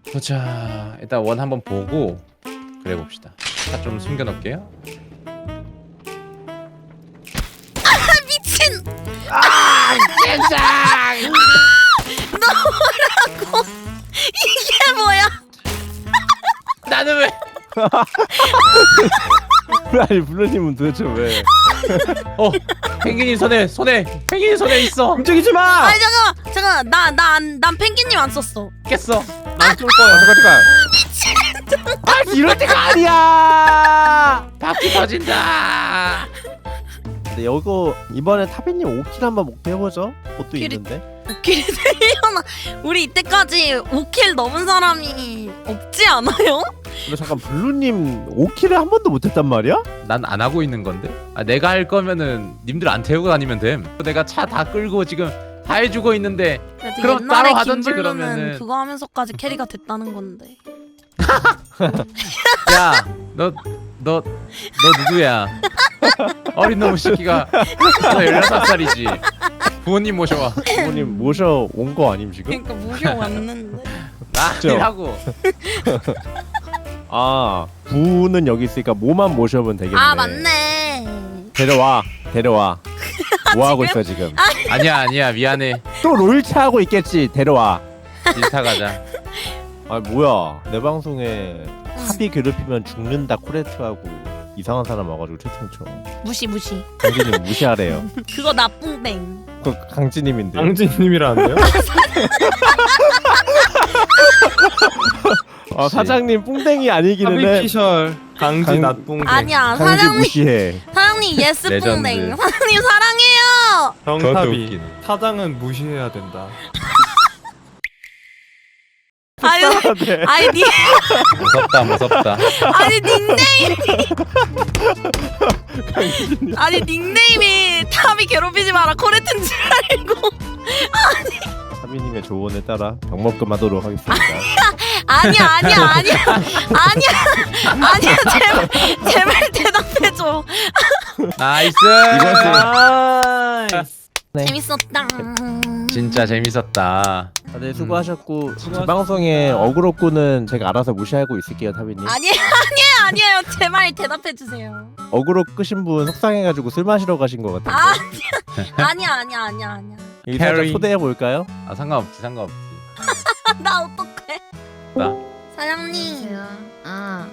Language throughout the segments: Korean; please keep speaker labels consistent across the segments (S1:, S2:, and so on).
S1: 보자. 일단 원 한번 보고 그래 봅시다. 차 좀 숨겨 놓을게요.
S2: 미친.
S1: 세상.
S2: 너라고. 이게 뭐야?
S1: 나는 왜?
S3: 아니 블루님은 도대체 왜?
S1: 펭귄이 손에 펭귄이 손에 있어.
S3: 움직이지 마!
S2: 아니 잠깐만. 난 펭귄님 안 썼어.
S1: 깼어.
S3: 난쏠 거야. 잠깐. 아 이럴 때가 아니야.
S1: 바퀴 터진다.
S3: 근데 이거 이번에 타비님 5킬 한번 목표해보죠. 그것도
S2: 오킬이-
S3: 있는데.
S2: 5킬 되려나? 우리 이때까지 5킬 넘은 사람이 없지 않아요?
S3: 근데 잠깐 블루님 5킬을 한 번도 못했단 말이야?
S1: 난 안 하고 있는 건데. 내가 할 거면은 님들 안 태우고 다니면 됨. 내가 차 다 끌고 지금 다 해주고 있는데.
S2: 그래도
S1: 그럼
S2: 옛날에
S1: 따로 하던지
S2: 김블루는
S1: 그러면은.
S2: 그거 하면서까지 캐리가 됐다는 건데.
S1: 야, 너 누구야? 어린 놈의 새끼가 너 16살이지. 부모님 모셔와.
S3: 부모님 모셔 온 거 아님 지금?
S2: 그러니까 모셔왔는데.
S1: 나 아니라고.
S3: 아 부는 여기 있으니까 모만 모셔면 되겠네.
S2: 아 맞네.
S3: 데려와. 뭐 하고 있어 지금?
S1: 아니야 미안해.
S3: 또 롤차 하고 있겠지. 데려와.
S1: 인스타 가자.
S3: 아 뭐야 내 방송에 합이 괴롭히면 죽는다 코레트하고 이상한 사람 와가지고 채팅 쳐.
S2: 무시.
S3: 강진님 무시하래요.
S2: 그거 나쁜 땡.
S3: 그 강진님인데.
S4: 강진님이라는데요?
S3: 사장님 뿡땡이 아니기는 해.
S4: 하비피셜 강진 낫붕
S2: 아니야
S3: 강진
S2: 사장님.
S3: 무시해.
S2: 사장님 예스
S1: 레전드.
S2: 뿡땡. 사장님 사랑해요.
S1: 그것도
S4: 정탑이
S1: 웃기네.
S4: 사장은 무시해야 된다.
S2: 아유
S3: 네.
S1: 무섭다.
S2: 아니 닉네임이 탑이 괴롭히지 마라 코레트인 줄 알고.
S3: 하미님의 조언에 따라 병먹금 하도록 하겠습니다.
S2: 아니야 제발 대답해줘.
S1: 나이스.
S3: 네.
S2: 재밌었다.
S1: 진짜 재밌었다.
S3: 다들 수고하셨고 제 방송에 어그로꾸는 제가 알아서 무시하고 있을게요 타비님.
S2: 아니에요 제발 대답해주세요.
S3: 어그로 끄신 분 속상해가지고 술 마시러 가신 것 같아요.
S2: 아니야.
S3: 여기 살짝
S1: 캐리.
S3: 초대해 볼까요?
S1: 상관없지.
S2: 나 어떡해?
S1: 나.
S2: 사장님.
S5: 아.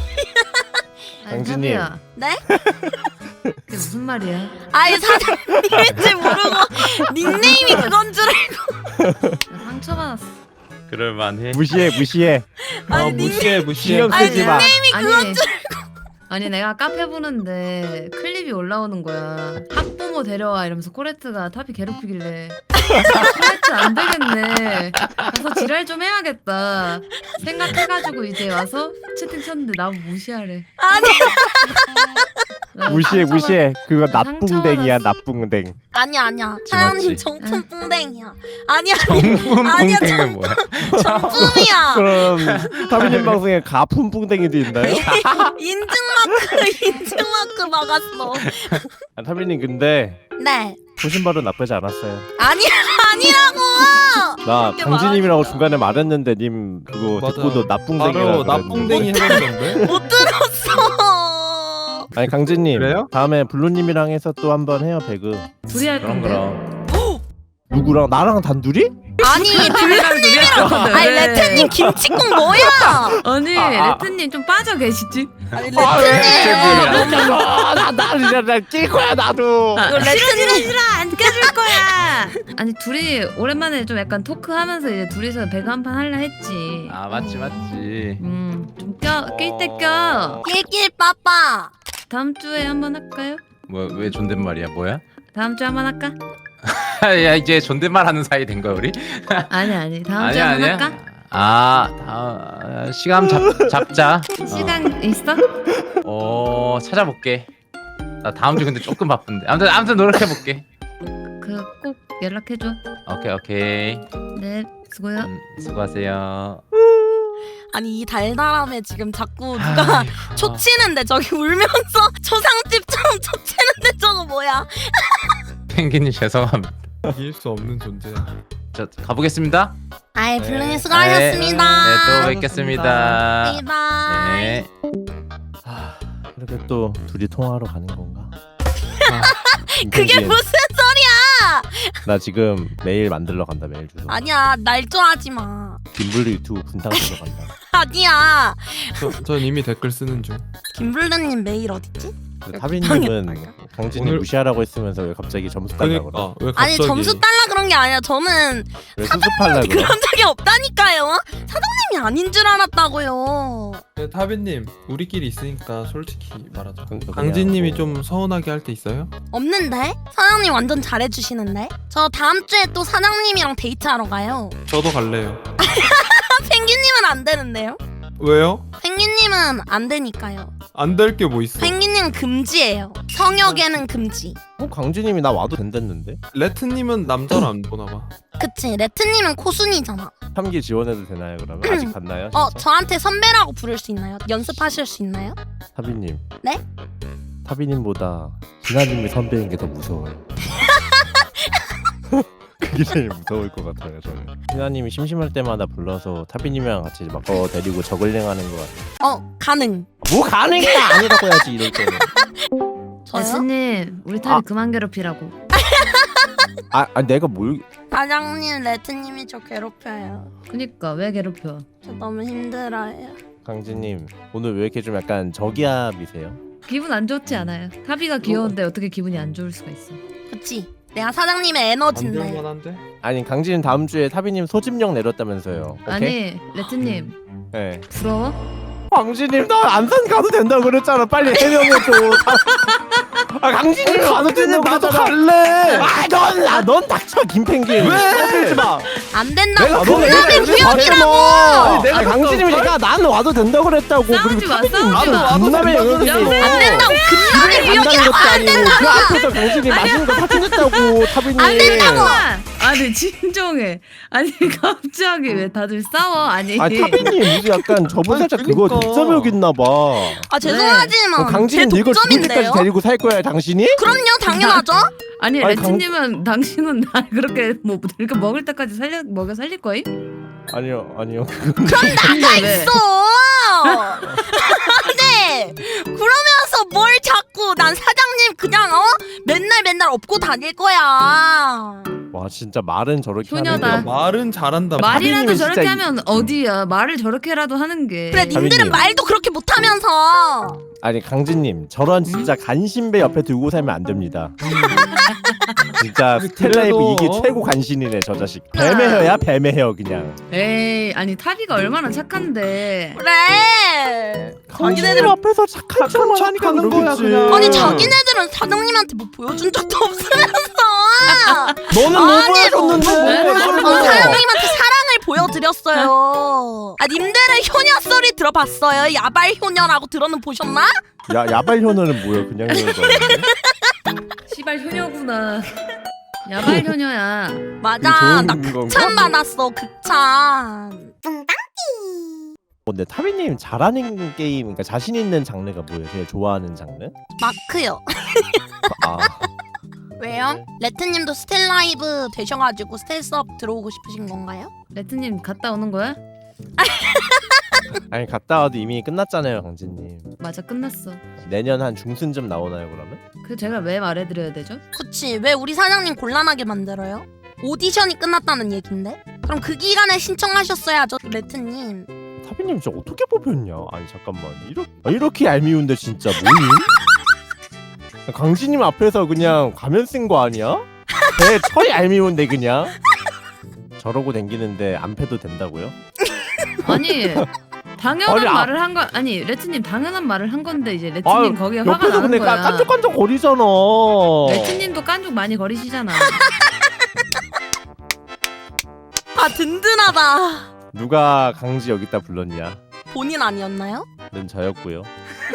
S3: 강진님.
S5: 탑이야.
S2: 네?
S5: 그게 무슨 말이야?
S2: 아니 사장님인지 모르고 닉네임이 그건 줄 알고.
S5: 나 상처받았어.
S1: 그럴만해.
S3: 무시해.
S2: 아니 닉네임
S4: 무시해.
S3: 신경
S2: 아니
S3: 쓰지 마.
S5: 아니, 아니 내가 카페 보는데 클립이 올라오는 거야. 학부모 데려와 이러면서 코레트가 탑이 괴롭히길래 코레트 안 되겠네. 가서 지랄 좀 해야겠다 생각해가지고 이제 와서 채팅 쳤는데 나보고 무시하래.
S2: 아니
S5: 나
S3: 무시해. 그거
S5: 나
S3: 나뿡댕이야
S5: 상처받았어.
S3: 나뿡댕.
S2: 아니야 사장님
S1: 맞지?
S2: 정품 뿡댕이야. 아니야
S1: 정품
S2: 아니야,
S1: 뽕땡은 뭐야?
S2: 정품이야.
S3: 그럼 타비님 방송에 가품 뿡댕이도 있나요?
S2: 인증마크 막았어.
S3: 타비님 근데
S2: 네
S3: 보신 바로 나쁘지 않았어요.
S2: 아니라고.
S3: 나
S2: 그렇게
S3: 강진님이라고
S2: 말하니까.
S3: 중간에 말했는데 님 그거
S4: 맞아.
S3: 듣고도 나뿡댕이라고
S4: 바로
S3: 그랬는데.
S4: 나쁜댕이 해버리던데?
S2: 못 들었어.
S3: 아니 강진님
S4: 그래요?
S3: 다음에 블루님이랑 해서 또 한번 해요 배그.
S5: 둘이 할 건데.
S1: 그럼.
S3: 누구랑 나랑 단둘이?
S2: 아니 블루님이랑 아니 레트님 김치국 뭐야?
S5: 아니
S3: 아.
S5: 레트님 좀 빠져 계시지?
S2: 아니
S3: 아,
S2: 레트님
S3: 나낄 거야 나도.
S2: 이거 레트님
S5: 안 껴줄 거야. 아니 둘이 오랜만에 좀 약간 토크하면서 이제 둘이서 배그 한 판 할라 했지.
S1: 아 맞지.
S5: 좀 낄 때 껴.
S2: 낄낄 빠빠.
S5: 다음 주에 한번 할까요?
S1: 뭐 왜 존댓말이야? 뭐야?
S5: 다음 주에 한번 할까?
S1: 야 이제 존댓말 하는 사이 된 거야 우리?
S5: 아니 다음 주에 한번 할까?
S1: 시간 잡자.
S5: 시간 있어?
S1: 찾아볼게. 나 다음 주 근데 조금 바쁜데. 아무튼 노력해 볼게.
S5: 그 꼭 연락해줘.
S1: 오케이.
S5: 네 수고요.
S1: 수고하세요.
S2: 아니 이 달달함에 지금 자꾸 누가 초치는데 저기 울면서 초상집처럼 초치는데 저거 뭐야?
S1: 펭귄님 죄송합니다.
S4: 이길 수 없는 존재야.
S1: 저 가보겠습니다.
S2: 아이
S3: 네.
S2: 블루님 수고하셨습니다.
S1: 네, 또 뵙겠습니다.
S2: 바이바이.
S1: 네.
S3: 이렇게 또 둘이 통화하러 가는 건가?
S2: 그게
S3: 김penguin,
S2: 무슨 소리야?
S3: 나 지금 메일 만들러 간다. 메일 주소.
S2: 아니야 날조하지 마.
S3: 김블루 유튜브 분탕 들어간다.
S2: 아니야.
S4: 전 이미 댓글 쓰는 중.
S2: 김블루님 메일 어딨지?
S3: 타비님은 강진이
S4: 오늘-
S3: 무시하라고 했으면서 왜 갑자기 점수 달라고 그래?
S4: 그러니까 왜
S2: 아니
S4: 갑자기
S2: 점수 달라 그런 게 아니라 저는
S3: 왜 수습하려고 그래?
S2: 그런 적이 없다니까요. 사장님이 아닌 줄 알았다고요.
S4: 네, 타비님 우리끼리 있으니까 솔직히 말하자.
S3: 그냥
S4: 강진님이
S3: 뭐-
S4: 좀 서운하게 할 때 있어요?
S2: 없는데? 사장님 완전 잘해주시는데? 저 다음 주에 또 사장님이랑 데이트하러 가요.
S4: 저도 갈래요.
S2: 펭귄님은 안 되는데요?
S4: 왜요?
S2: 펭귄님은 안 되니까요.
S4: 안 될 게 뭐 있어?
S2: 펭귄님은 금지예요. 성역에는 금지.
S3: 강진님이 나 와도 된댔는데?
S4: 레트님은 남자를 안 보나 봐.
S2: 그치 레트님은 코순이잖아.
S3: 3기 지원해도 되나요 그러면? 아직 갔나요?
S2: 어
S3: 진짜?
S2: 저한테 선배라고 부를 수 있나요? 연습하실 수 있나요?
S3: 타비님.
S2: 네?
S3: 타비님보다 진아님이 선배인 게 더 무서워요. 그게 제일 무서울 것 같아요 저는. 진아님이 심심할 때마다 불러서 타비님이랑 같이 막 데리고 저글링하는 것 같아요.
S2: 가능.
S3: 뭐 가능해 아니라고 해야지 이럴 때는.
S2: 저요?
S5: 레트님 우리 타비 그만 괴롭히라고.
S3: 내가 뭘?
S2: 사장님 레트님이 저 괴롭혀요.
S5: 그니까 왜 괴롭혀?
S2: 저 너무 힘들어요.
S3: 강진님 오늘 왜 이렇게 좀 약간 저기압이세요?
S5: 기분 안 좋지 않아요. 타비가 귀여운데 어떻게 기분이 안 좋을 수가 있어?
S2: 그치? 내가 사장님의
S4: 안
S2: 에너지인데.
S4: 될만한데?
S3: 아니 강진님 다음 주에 타비님 소집령 내렸다면서요. 오케이?
S5: 아니 레트님
S3: 네.
S5: 부러워?
S3: 강진님 나 안산 가도 된다고 그랬잖아. 빨리 해명해줘. 강진님 가도 된다고
S4: 나도
S3: 갈래. 넌 닥쳐 김펭귄. 왜? 마.
S2: 안 된다고.
S3: 내가
S2: 공감의 구역이라고.
S3: 아니, 내가 강진님이니까 난 와도 된다고 그랬다고.
S5: 싸우지 마,
S3: 타비님
S5: 싸우지 마.
S3: 군남의 영역이
S5: 야,
S2: 안 된다고. 금남의 구역이라고. 안 된다고.
S3: 그 앞에서 강진이 맛있는 거 사준다고 타비님.
S2: 안 된다고.
S5: 아니 진정해. 아니 갑자기 왜 다들 싸워? 아니
S3: 타비님 무슨 약간 저분 살짝 그거
S4: 그러니까.
S3: 독점욕 있나 봐.
S2: 죄송하지만 제
S3: 강진이 늙어 죽을 때까지
S2: 독점인데요.
S3: 데리고 살 거야 당신이?
S2: 그럼요 당연하죠.
S5: 아니
S3: 아니,
S5: 레트님은 당신은 나 그렇게 뭐 이렇게 먹을 때까지 먹여 살릴 거임?
S3: 아니요.
S2: 나가
S5: 왜?
S2: 있어. 네. 그러면서 뭘 자꾸 난 사장님 그냥 맨날 업고 다닐 거야.
S3: 와 진짜 말은 저렇게
S5: 효녀다.
S3: 하는데
S4: 말은 잘한다.
S5: 말이라도
S3: 타비님이
S5: 저렇게
S3: 진짜
S5: 하면 어디야? 말을 저렇게라도 하는 게.
S2: 그래 님들은
S3: 타비님.
S2: 말도 그렇게 못하면서.
S3: 아니 강진님 저런 진짜 간신배 옆에 두고 살면 안 됩니다. 진짜 스텔라이브
S4: 그래도,
S3: 이게 최고 간신이네 저 자식. 뱀의 혀야 뱀의 혀 그냥.
S5: 에이 아니 타비가 얼마나 착한데.
S2: 그래.
S3: 강진님
S2: 자기네들은
S3: 앞에서 착한 척만 하니까
S4: 하는 거야,
S3: 그러겠지.
S4: 그냥.
S2: 아니 자기네들은 사장님한테 뭐 보여준 적도 없으면서.
S3: 너는 뭐
S2: 아니,
S3: 보여줬는데?
S2: 사장님한테 사랑을 보여드렸어요. 님들은 효녀 소리 들어봤어요? 야발 효녀라고 들어는 보셨나?
S3: 야발 효녀는 뭐야 그냥 효녀인데.
S5: 시발 효녀구나. 야발 효녀야.
S2: 맞아 나
S3: 좋은 건가?
S2: 극찬 받았어 극찬.
S3: 근데 타비님 잘하는 게임, 그러니까 자신 있는 장르가 뭐예요? 제일 좋아하는 장르?
S2: 마크요.
S3: 아
S2: 왜요? 레트님도 스텔라이브 되셔가지고 스텔스업 들어오고 싶으신 건가요?
S5: 레트님 갔다 오는 거야?
S3: 아니 갔다 와도 이미 끝났잖아요 강진님.
S5: 맞아 끝났어.
S3: 내년 한 중순쯤 나오나요 그러면?
S5: 그 제가 왜 말해드려야 되죠?
S2: 그치 왜 우리 사장님 곤란하게 만들어요? 오디션이 끝났다는 얘긴데? 그럼 그 기간에 신청하셨어야죠 레트님.
S3: 타비님 진짜 어떻게 뽑혔냐? 아니 잠깐만 이렇게 얄미운데 진짜 뭐니? 강진님 앞에서 그냥 가면 쓴 거 아니야? 배 철이 얄미운데 그냥 저러고 댕기는데 안 패도 된다고요?
S5: 아니 당연한
S3: 아니,
S5: 말을 한 거 아니 레트님 당연한 말을 한 건데 이제 레트님 거기에 화가
S3: 옆에서
S5: 나는
S3: 근데
S5: 거야.
S3: 깐족깐족 거리잖아.
S5: 레트님도 깐족 많이 거리시잖아.
S2: 아 든든하다.
S3: 누가 강지 여기다 불렀냐?
S2: 본인 아니었나요?
S3: 는 저였고요.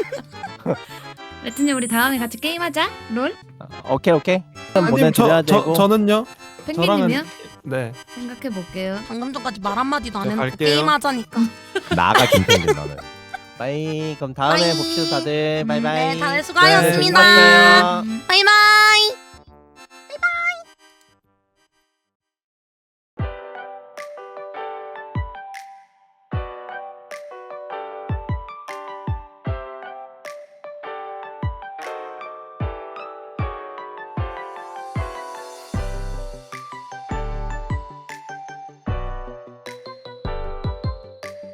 S5: 레트님 우리 다음에 같이 게임하자. 롤?
S3: 오케이.
S4: 아님
S3: 보내드려야 되고.
S4: 저는요?
S5: 펭귄님이요?
S4: 네.
S5: 생각해 볼게요.
S2: 방금 전까지 말 한마디도 안
S4: 저
S2: 해놓고
S4: 갈게요.
S2: 게임하자니까.
S3: 나가 김penguin 너는. 빠이. 그럼 다음에
S2: 빠이.
S3: 봅시다 다들. 바이바이.
S2: 네 다들 수고하셨습니다.
S3: 네, 즐거웠어요.
S2: 바이바이.